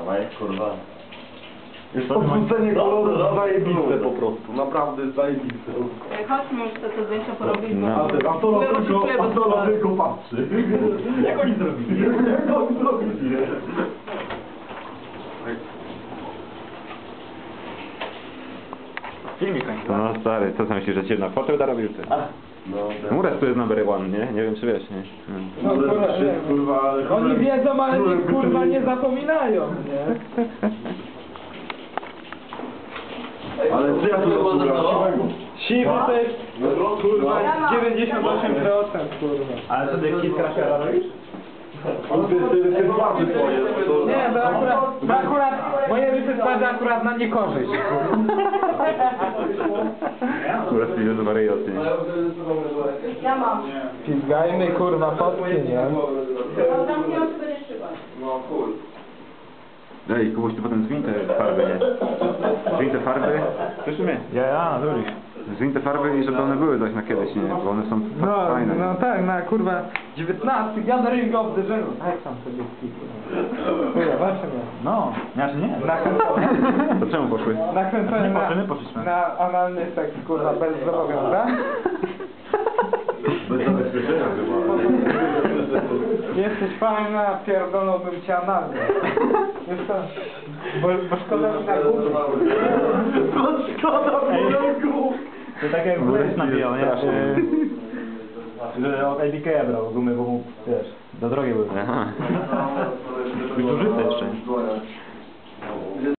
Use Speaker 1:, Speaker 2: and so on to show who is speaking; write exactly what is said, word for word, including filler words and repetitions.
Speaker 1: Dawaj, kurwa.
Speaker 2: Jest podrzucenie koloru zajebiste po prostu, naprawdę zajebiste.
Speaker 3: Chodźmy już te zdjęcia porobić, bo...
Speaker 2: A ty, a to tylko, a to tylko patrzy.
Speaker 1: Jak oni zrobili?
Speaker 2: Jak oni zrobili?
Speaker 1: Filmik kończy.
Speaker 4: No stary, co ty myślisz, że cię na fotę dorobił ty?
Speaker 2: No,
Speaker 4: Mures tu jest number one, nie? Nie wiem czy wiesz, nie?
Speaker 5: No, kurwa, nie.
Speaker 2: kurwa, ale...
Speaker 5: Oni wiedzą, ale nic kurwa nie zapominają, nie?
Speaker 2: Ale co ja tu zasłuchałem?
Speaker 5: Siwy to jest kurwa dziewięćdziesiąt osiem procent kurwa.
Speaker 1: Ale co ty kit krafiara robisz?
Speaker 2: On ty, ty, ty twarzy twoje, to...
Speaker 5: Nie, to akurat, to akurat moje rysy twarzy akurat na niekorzyść.
Speaker 4: Mures tu jest wariaty.
Speaker 3: Ja mam.
Speaker 5: Pizgajmy kurwa fotki, nie?
Speaker 3: No tam nie mam co będziesz szybać.
Speaker 4: Ej, kogoś tu potem zwiń te farby, nie? Zwiń te farby. Słyszysz mnie?
Speaker 1: Ja, ja, zrobisz.
Speaker 4: Zwiń te farby i żeby one były coś na kiedyś, nie? Bo one są
Speaker 5: No,
Speaker 4: fajne.
Speaker 5: no tak, na kurwa dziewiętnasty gathering of the Żenu. Tak sam sobie kurwa, zobaczymy.
Speaker 1: No, znaczy nie.
Speaker 5: Nakręcony,
Speaker 4: To czemu poszły?
Speaker 5: nakręcony
Speaker 1: Nie
Speaker 5: na,
Speaker 1: poszliśmy, poszliśmy.
Speaker 5: na analny seks kurwa bez zobowiązań.
Speaker 2: Bez zabezpieczenia chyba.
Speaker 5: Jesteś fajna, pierdoląłbym cię analnie. Wiesz co? Bo, bo szkoda mi na górze.
Speaker 2: Bo szkoda mi
Speaker 1: To tak jak Burek nabijał, nie? Że, że od A B K brał gumy, bo mu, wiesz, do drogi były.
Speaker 4: Aha.
Speaker 1: Być użyte jeszcze.